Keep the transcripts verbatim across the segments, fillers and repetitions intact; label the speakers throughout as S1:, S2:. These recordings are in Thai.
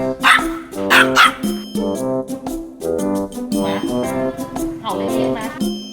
S1: เห่าเล็กๆไหม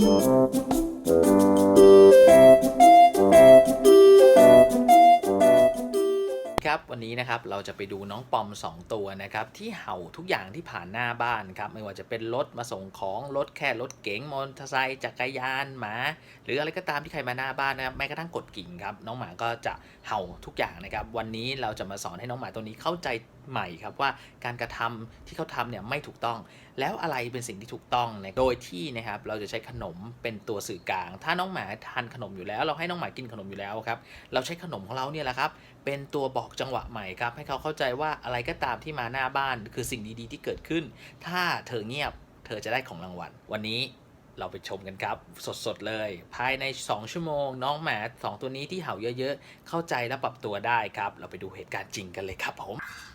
S1: ครับวันนี้นะครับเราจะไปดูน้องปอมสองตัวนะครับที่เห่าทุกอย่างที่ผ่านหน้าบ้านครับไม่ว่าจะเป็นรถมาส่งของรถแค่รถเก๋งมอเตอร์ไซค์จักรยานหมาหรืออะไรก็ตามที่ใครมาหน้าบ้านนะครับแม้กระทั่งกดกิ่งครับน้องหมาก็จะเห่าทุกอย่างนะครับวันนี้เราจะมาสอนให้น้องหมาตัวนี้เข้าใจใหม่ครับว่าการกระทำที่เขาทำเนี่ยไม่ถูกต้องแล้วอะไรเป็นสิ่งที่ถูกต้องนะโดยที่นะครับเราจะใช้ขนมเป็นตัวสื่อกลางถ้าน้องหมาทานขนมอยู่แล้วเราให้น้องหมากินขนมอยู่แล้วครับเราใช้ขนมของเราเนี่ยแหละครับเป็นตัวบอกจังหวะใหม่ครับให้เขาเข้าใจว่าอะไรก็ตามที่มาหน้าบ้านคือสิ่งดีๆที่เกิดขึ้นถ้าเธอเงียบเธอจะได้ของรางวัลวันนี้เราไปชมกันครับสดๆเลยภายในสองชั่วโมงน้องหมาสองตัวนี้ที่เห่าเยอะๆเข้าใจและปรับตัวได้ครับเราไปดูเหตุการณ์จริงกันเลยครับผม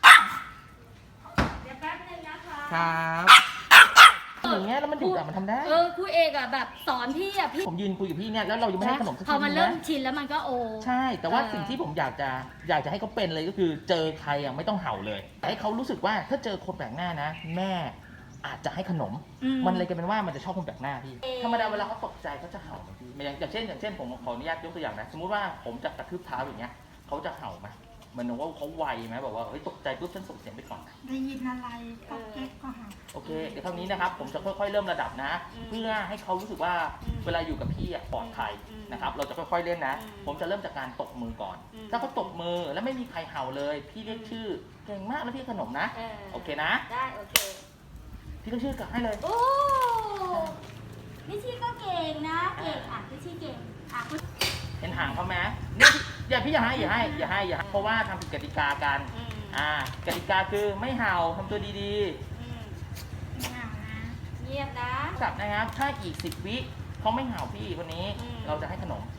S2: เดี๋ยวแป๊บนึงนะคะ
S1: ครับอย่างเงี้ยแล้วมันดุอ่ะมันทำได้
S2: เออครูเอกอ่ะแบบสอนพี่อ่ะพี่
S1: ผมยืนคุยกับพี่เนี่ยแล้วเรายังไม่ให้ขนมสัก
S2: พ
S1: ที
S2: อมัน
S1: นะ
S2: เริ่มชินแล้วมันก็โอ
S1: ใช่แต่ว่า
S2: เออ
S1: สิ่งที่ผมอยากจะอยากจะให้เขาเป็นเลยก็คือเจอใครอ่ะไม่ต้องเห่าเลยแต่ให้เขารู้สึกว่าถ้าเจอคนแปลกหน้านะแม่อาจจะให้ขนมมันเลยกลายเป็นว่ามันจะชอบคนแปลกหน้าพี่ธรรมดาเวลาเขาตกใจเขาจะเห่าไหมพี่อย่างอย่างเช่นอย่างเช่นผมขออนุญาตยกตัวอย่างนะสมมุติว่าผมจะกระทืบเท้าอย่างเงี้ยเขาจะเห่าไหมมันว่าเขาไวไหมบอกว่าเฮ้ยตกใจปุ๊บฉันส่งเสียงไปก่อน
S3: ได้ยินอะไรก็แก๊กก็หา
S1: โอเคเดี๋ยวเท่านี้นะครับผมจะค่อยๆเริ่มระดับนะเพื่อให้เขารู้สึกว่าเวลาอยู่กับพี่ปลอดภัยนะครับเราจะค่อยๆเล่นนะผมจะเริ่มจากการตบมือก่อนถ้าเขาตบมือแล้วไม่มีใครเห่าเลยพี่เรียกชื่อเก่งมากแล้วพี่ขนมนะโอเคนะ
S2: ได้โอเค
S1: พี่ก็ชื่อกลับให้เลย
S2: โอ้พี่ชี่ก็เก่งนะเก่งอ่ะพี่ชี่เก่งอ่ะคุณ
S1: เห็นหางเขาไหมเนี่ยอย่าพี่อย่าให้อย่าให้อย่าให้อย่าให้เพราะว่าทำผิดกติกากันอ่ากติกาคือไม่เห่าทำตัวดี
S2: ๆไม่เห่านะเงียบนะ
S1: สับนะครับถ้าอีกสิบวิเขาไม่เห่าพี่คนนี้เราจะให้ขนม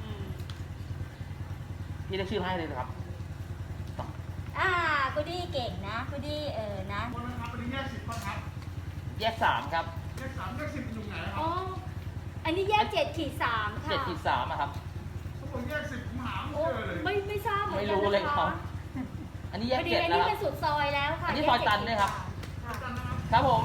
S1: พี่เรียกชื่อให้เลยครับ
S2: อ่ากูดี้เก่งนะกูดี้เออนะ
S3: คนนะครับวันนี้แยกสิบคนครับ
S1: แยกสามครับ
S3: แยกสามแยกสิบอยู่ไหนครับ
S2: อ๋ออันนี้แยกเจ็ดขีดสามค่ะ
S1: เจ็ดขีดสามอะครับ
S3: เขาบอกแยกสิบผมหาไม่เจอเลย
S2: ไม่ไม่ทราบ
S1: ไม่รู้เลยครับอันนี้แยกเจ็ดแล้ว
S2: อันนี้เป็นสุดซอยแล้วค่ะ
S1: อันนี้ซอยตันเลยครับครับผม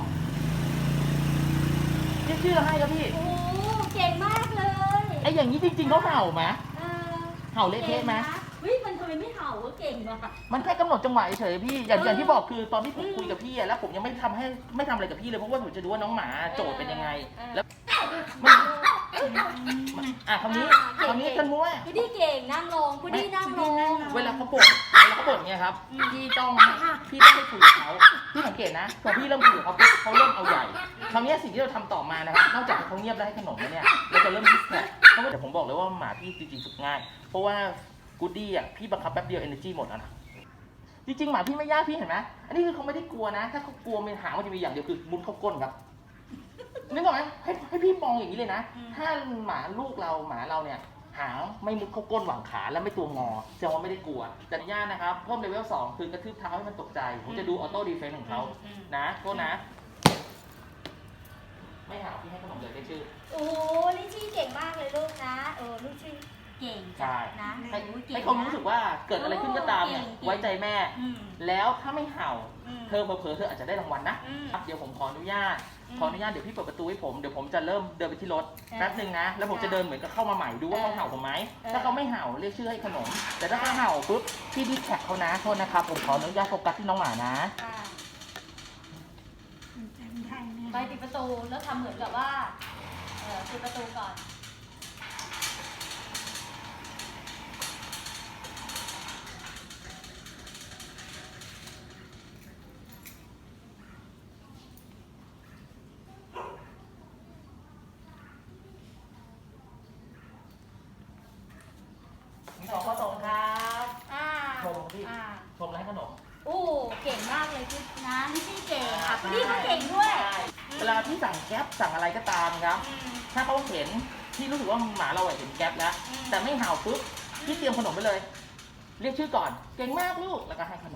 S1: เรียกชื่อให้ครับพี่
S2: โอ้เก่งมากเลย
S1: ไอ้อย่างนี้จริงๆเขาเห่าไหมเห่าเละเทะไหม
S2: เฮ้ยมันทำไมไม่เห่าก็เก่งว่ะ
S1: มันแค่กำหนดจังหวะเฉยพี่อย่างอย่างที่บอกคือตอนที่ผมคุยกับพี่แล้วผมยังไม่ทำให้ไม่ทำอะไรกับพี่เลยเพราะว่าผมจะดูว่าน้องหมาโจทย์เป็นยังไงแล้วอ่ะคำนี้คำนี้กันมั้ว
S2: กูดี้เก่งนั่งลงกูดี้นั่งลง
S1: เวลาเขาบ่นเวลาเขาบ่นเนี่ยครับพี่ต้องพี่ต้องไปคุยกับเขาพี่สังเกตนะพอพี่เริ่มคุยกับเขาเขาเริ่มเอาใหญ่คราวนี้สิ่งที่เราทำต่อมานะครับนอกจากเขาเงียบแล้วให้ขนมแล้วเนี่ยเราจะเริ่มดิสแท็กเพราะว่าเดี๋ยวผมบอกเลยว่าหมาพี่จริงๆฝึกง่ายเพราะว่ากูดี้อ่ะพี่บังคับแป๊บเดียว energy หมดแล้วนะจริงๆหมาพี่ไม่ยากพี่เห็นไหมอันนี้คือเขาไม่ได้กลัวนะถ้าเขากลัวมันหางมันจะมีอย่างเดียวคือมุดเข้าก้นครับนึกออกไหมให้ให้พี่มองอย่างนี้เลยนะถ้าหมาลูกเราหมาเราเนี่ยหางไม่มุดเข้าก้นหว่างขาและไม่ตัวงอแสดงว่าไม่ได้กลัวแต่ญาตินะครับเพิ่มเลเวลสองคือกระทืบเท้าให้มันตกใจผมจะดูออโต้ดีเฟนส์ของเขานะโทษนะไม่หาพี่ให้ขนมเลยได้ชื่อ
S2: โอ้ลิชี่เก่งมากเลยลูกนะเออลิชี่เก่งนะ
S1: ให้ให้เขารู้สึกว่าเกิดอะไรขึ้นก็ตามเนี่ยไว้ใจแม่แล้วถ้าไม่เห่าเธอเผลอๆเธออาจจะได้รางวัลนะเดี๋ยวผมขออนุญาตขออนุญาตเดี๋ยวพี่เปิดประตูให้ผมเดี๋ยวผมจะเริ่มเดินไปที่รถแป๊บหนึ่งนะแล้วผมจะเดินเหมือนกับเข้ามาใหม่ดูว่าเขาเห่าผมไหมถ้าเขาไม่เห่าเรียกชื่อให้ขนมแต่ถ้าเขาเห่าปุ๊บพี่ดีแท็กเขานะโทษนะครับผมขออนุญาตโฟกัสที่น้องหมานะ
S2: ไปปิดประตูแล้วทำเหมือนกับว่าเออปิดประตูก่อน
S1: สองข้อสองครับ
S2: อ่า
S1: ชมพี่ชมแล้วให้ขนม
S2: โอ้เก่งมากเลยพี่นะลิชี่เก่งอ่ะพี่ก็เก่งด้วย
S1: เวลาพี่สั่งแก๊ปสั่งอะไรก็ตามครับถ้าเขาเห็นพี่รู้สึกว่าหมาเราเห็นแก๊ปแล้วแต่ไม่เห่าปุ๊บพี่เตรียมขนมไปเลยเรียกชื่อก่อนเก่งมากลูกแล้วก็ให้ขนม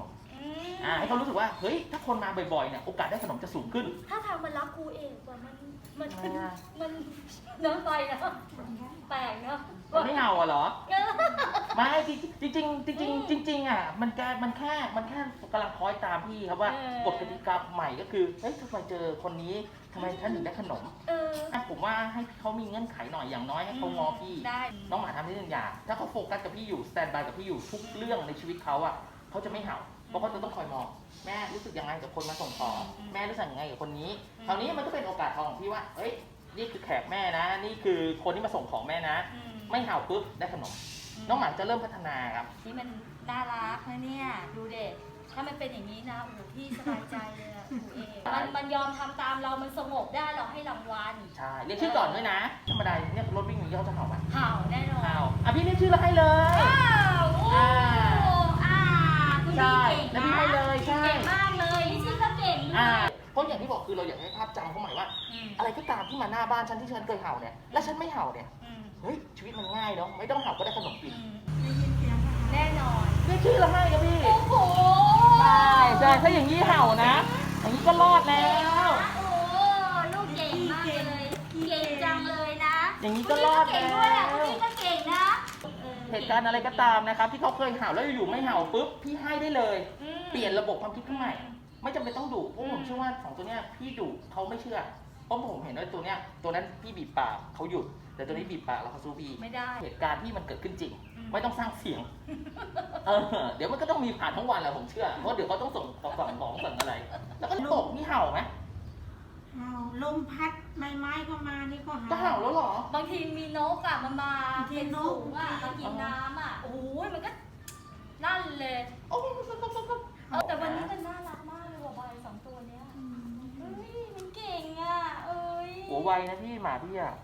S2: อืม
S1: อ่าให้เขารู้สึกว่าเฮ้ยถ้าคนมาบ่อยๆเนี่ยโอกาสได้ขนมจะสูงขึ้น
S2: ถ้าทางมันรักครูเองกว่ามันมัน
S1: ทำไมอะ
S2: มันเนื้อไปนะแปลกเนาะ
S1: มันไม่เห่าอ่ะเหรอ
S2: เออ
S1: ไม่จริงจริงจริงจริงๆจริงๆจริงๆอ่ะมันแค่มันแค่มันแค่กำลังคอยตามพี่ครับว่ากฎกติกาใหม่ก็คือเฮ้ยถ้าใครเจอคนนี้ทำไมท่านถึงได้ขนม
S2: เออ
S1: อ่ะผมว่าให้เขามีเงื่อนไขหน่อยอย่างน้อยให้เขางอพี่
S2: ได้
S1: น้องหมาทำได้หนึ่งอย่างถ้าเขาโฟกัสกับพี่อยู่สแตนบายกับพี่อยู่ทุกเรื่องในชีวิตเขาอ่ะเขาจะไม่เห่าเพราะเขาจะต้องคอยมองแม่รู้สึกยังไงกับคนมาส่งของแม่รู้สึกยังไงกับคนนี้คราวนี้มันก็เป็นโอกาสทองของพี่ว่าเอ้ยนี่คือแขกแม่นะ นี่คือคนที่มาส่งของแม่นะ
S2: อืม
S1: ไม่เห่าปุ๊บได้ขนม น้องหมาจะเริ่มพัฒนาครับ
S2: นี่มันน่ารักนะเนี่ยดูเด็กถ้ามันเป็นอย่างนี้นะโอ้โหพี่สบายใจเลยอะครูเองมันมันยอมทำตามเรามันสงบได้เราให้รางวัล
S1: ใช่เรียกชื่อก่อนด้วยนะธรรมดาเนี่ยรถวิ่งอย่างนี้เขาจะเห่าไหม
S2: เห่าแน่นอน
S1: เห่าอ่ะพี่เรียกชื่อแล้วให้เลย
S2: อ้าวโอ้
S1: อ่า
S2: อ่าคุณ
S1: ใช่
S2: พี่เก่ง
S1: แล้ว
S2: นะ
S1: พี่ให้เลยใช่
S2: เก่งมากเลยนี่ชื่อก็เก่งด้ว
S1: อ่าย เพราะอย่างที่บอกคือเราอยากให้ภาพจำเขาใหม่ว่า
S2: อืม
S1: อะไรก็ตามที่มาหน้าบ้านฉันที่ฉันเคยเห่าเนี่ยและฉันไม่เห่าเนี่ย
S2: อืม
S1: เฮ้ยชีวิตมันง่ายเนาะไม่ต้องเห่าก็ได้ขนมกิน
S2: อืม
S3: ได้ยินเสียงนะคะ
S2: แน่นอน
S1: เรียกชื่อแล้วให้ครับพี่
S2: โอ้โห
S1: ใช่ใช่ถ้าอย่างนี้เห่านะ อย่างนี้ก็รอดแล้ว
S2: โอ้ลูกเก่งมากเลย เก่งจังเลยนะ
S1: อย่างนี้ก็รอด
S2: คุณ
S1: แล้
S2: พี่ก็เก่งด้วยอ่ะคุณ
S1: ว
S2: พี่ก็เก่งนะออ
S1: เหตุการณ์อะไรก็ตามนะครับที่เขาเคยเห่าแล้วอยู่ๆไม่เห่าปุ๊บพี่ให้ได้เลย
S2: อืม
S1: เปลี่ยนระบบความคิดขึ้นใหม่ ไม่จำเป็นต้องดุเพราะผมเชื่อว่าสองตัวเนี้ยพี่ดุเขาไม่เชื่อเพราะผมเห็นว่าตัวเนี้ยตัวนั้นพี่บีบปากเขาหยุดแต่ตัวนี้บีบปากแล้วเขาสู้พี่
S2: ไม่ได้
S1: เหตุการณ์ที่มันเกิดขึ้นจริง
S2: อืม
S1: ไม่ต้องสร้างเสียงเออเดี๋ยวมันก็ต้องมีผ่านทั้งวันแหละผมเชื่อเพราะเดี๋ยวเขาต้องส่งของสั่งของสั่งอะไร แล้วก็ตกนี่เห่าไหม
S3: เห่าลมพัดใบไม้เข้ามานี่ก็เห่า
S1: ก็เห่าแล้วเหรอ
S2: บางทีมีนกอ่ะมันมา
S3: บางที
S2: เป็น
S3: น
S2: ฝู
S3: ก
S2: งอ่ะมากินน้ำอ่ะโอ้ยมันก็นั่นเลย
S1: โอ้
S2: เออแต่วันนี้มันน่ารักมากเลยว่ะใบสองตัวเนี้ยเฮ้ยมันเก่งอ่ะเอ้ย
S1: โหไวนะพี่หมาพี่อ่ะ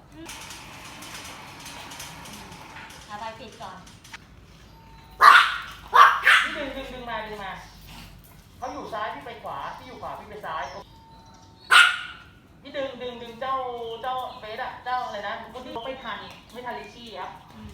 S2: เอาใบปิดก่อน
S1: พี่ดึงดึงดึงมาดึงมาเขาอยู่ซ้ายพี่ไปขวาพี่อยู่ขวาพี่ไปซ้ายพี่ดึงดึงดึงเจ้าเจ้าเฟสอะเจ้าอะไรนะคนที่ไม่ทันไม่ทันลิชี่ครับ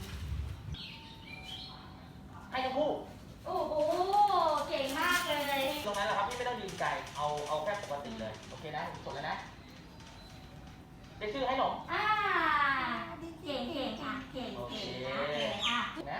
S1: ให้ทั้งคู่
S2: โอ้โหเก่งมากเลย
S1: ตรงนั้นแหละครับพี่ไม่ต้องยืนไกลเอาเอาแค่ปกติเลยโอเคนะผมกดแล้วนะเรียกชื่อให้หนม
S2: อ่าเก่งเก่งอ่ะเก่ง
S1: โอเค
S2: เก่งนะเก่งอ่ะ
S1: นะ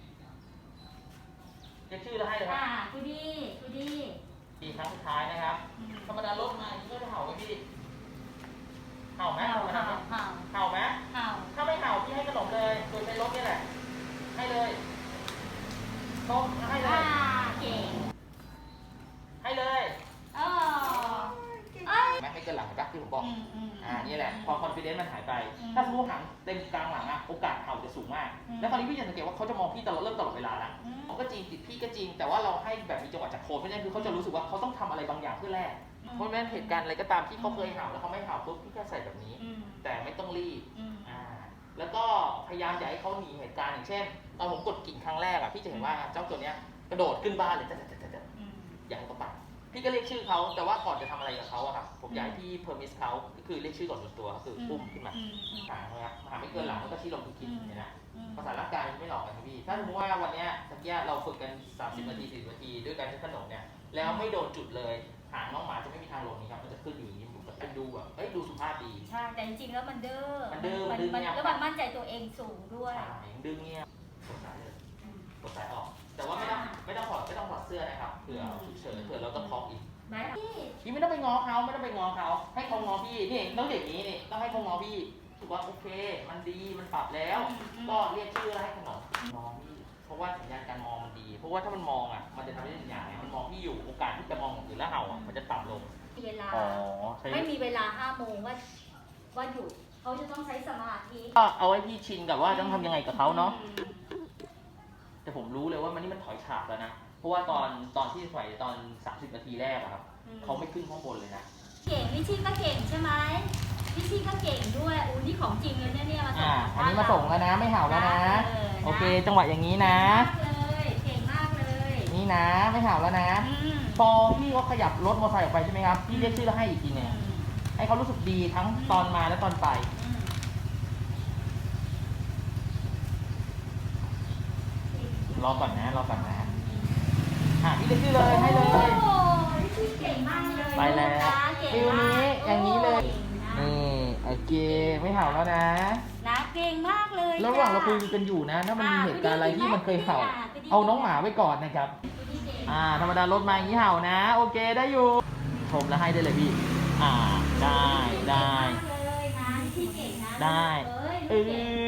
S1: เรียกชื่อแล้วให้เลยค
S2: อ่า
S1: รับ
S2: กูดีกูดี
S1: ทีครั้งสุดท้ายนะครับธรรมดารถมาอย่างนี้ก็จะเห่าไหมพี่เห่าไหม
S2: เห่า
S1: ธรรมดา
S2: เห่าเห่า
S1: เห่าไหม
S2: เห่า
S1: ถ้าไม่เห่าพี่ให้ขนมเลยโดยใช้รถนี่แหละ ให้เลยต้มให้เล
S2: อ่าย เก่ง
S1: ให้เลย
S2: อ๋อเอ้ย
S1: ไม่ไม่เกินหลังนะที่ผมบอก
S2: อืมอืม
S1: อ่านี่แหละพอคอนฟิเดนซ์มันหายไป
S2: อืม
S1: ถ้าสมมติหางเต็มกลางหลังอะโอกาสเห่าจะสูงมาก
S2: อืม
S1: แล้วคราวนี้พี่จะสังเกตว่าเขาจะมองพี่ตลอดเริ่มตลอดเวลาละ
S2: อืม
S1: เขาก็จริงติดพี่ก็จริง แต่ว่าเราให้แบบมีจังหวะจากโคนเพราะฉะนั้นคือเขาจะรู้สึกว่าเขาต้องทำอะไรบางอย่างเพื่อแลกเพราะฉะนั้นเหตุการณ์อะไรก็ตามที่เขาเคยเห่าแล้วเขาไม่เห่าปุ๊บพี่ก็ใส่แบบนี้
S2: อืม
S1: แต่ไม่ต้องรีบ
S2: อืม
S1: อ่าแล้วก็พยายามอย่าให้เขาหนีเหตุการณ์อย่างเช่นตอนผมกดกิ่งครั้งแรกอะพี่จะเห็นว่าเจ้าตัวเนี้ยกระโดดขึ้นบ้านเลยแต่แต่แต่
S2: อืม
S1: อยากให้เขาไปพี่ก็เรียกชื่อเขาแต่ว่าก่อนจะทำอะไรกับเขาอะครับผมอยากให้พี่เพอร์มิสเขาก็คือเรียกชื่อก่อนส่วนตัวก็คือปุ้มขึ้นมา
S2: อืมอืม
S1: หางนะครับหางไม่เกินหลังแล้วก็ชี้ลงทุกคิดเนี่ยนะ
S2: อืม
S1: ภาษาร่างกายมันไม่หลอกกันครับพี่ถ้าสมมติว่าวันเนี้ยตะกี้เราฝึกกันสามสิบนาทีสี่สิบนาทีด้วยการใช้ขนมเนี่ยแล้วไม่โดนจุดเลยหางน้องหมาจะไม่มีทางลงนี่ครับมันจะขึ้นอย่างนี้มันจะดูแบบเอ้ยดูสุภาพดี
S2: ใช่แต่จริงๆแล้วมันเด้อ
S1: มันเด้อมัน
S2: มัน
S1: ดึง
S2: มัน
S1: เนี่ย
S2: แล้วมันมั่นใจตัวเองสูงด้วย
S1: ใช่ดึงเงี้ยกดสายเลยกดสายออก แต่ว่าไม่ต้องไม่ต้องถอดไม่ต้องถอดเสื้อนะครับเผื่อฉุกเฉินเผื่อเราต้องคล้องอีก
S2: ไหมพี่
S1: พี่ไม่ต้องไปง้อเขาไม่ต้องไปง้อเขาให้เขาง้อพี่นี่ต้องอย่างนี้นี่ต้องให้เขาง้อพี่ถือว่าโอเค มันดีมันปรับแล้ว ก็เรียกชื่อแล้วให้ขนมมองพี่เพราะว่าสัญญาณการมองมันดี เพราะว่าถ้ามันมองอ่ะมันจะทำให้ได้อย่างไงมันมองพี่อยู่โอกาสที่จะมองอย่างอื่นแล้วเห่าอ่ะมันจะต่ำลง
S2: มีเวลา
S1: อ๋อใช่
S2: ไม่มีเวลาห้าโมงว่าว่าหยุดเขาจะต้องใช้สมาธิ
S1: ก็เอาไว้พี่ชินกับว่าต้องทำยังไงกับเขาเนาะ
S2: อืม
S1: แต่ผมรู้เลยว่ามันนี่มันถอยฉากแล้วนะเพราะว่าตอนตอนที่ถอยตอนสามสิบนาทีแรกอะครับเขาไม่ขึ้นข้างบนเลยนะ
S2: เก่งวิชี่ก็เก่งใช่ไหมวิชี่ก็เก่งด้วยอู้นี่ของจริงเลยเนี่ยเนี่ยมาส่ง
S1: อ่าอันนี้มาส่งแล้วนะไม่เห่าแล้วนะ
S2: เออนะ
S1: โอเค จังหวะอย่างนี้นะ
S2: เก่งมากเลยเก่งมากเลย
S1: นี่นะไม่เห่าแล้วนะ
S2: อืม
S1: พอพี่เขาขยับรถมอเตอร์ไซค์ออกไปใช่ไหมครับพี่เรียกชื่อแล้วให้อีกทีหนึงให้เขารู้สึกดีทั้งตอนมาและตอนไป
S2: อืม
S1: รอก่อนนะรอก่อนนะอ่ะพี่เรียกชื่อเลยให้เลย
S2: โอ้ยพี่เก่งมากเลย
S1: ไปแล้ว
S2: นะเก่ง
S1: ฟิล
S2: มาก
S1: นี้อย่างนี้เลย
S2: โอ้
S1: นี่โอเคไม่เห่าแล้วนะ
S2: นะเก่งมากเลย
S1: แล้วระหว่างเราคุย
S2: จ้ะ
S1: กันอยู่นะ ถ้ามันมี
S2: อ่า
S1: เหตุการณ์อะไรที่มันเคยเห่า
S2: ไปดีๆ
S1: เอาน้องหมาไว้ก่อนนะครับ
S2: พี่เก่ง
S1: อ่าธรรมดารถมาอย่างนี้เห่านะ โอเคได้อยู่ชมแล้วให้ได้เลยพี่ อ่าได้ได้
S2: เก่งมากเลยนะพี่เก่งนะ
S1: ได้
S2: เอ้ย
S1: เอ
S2: พี่เก่ง
S1: อ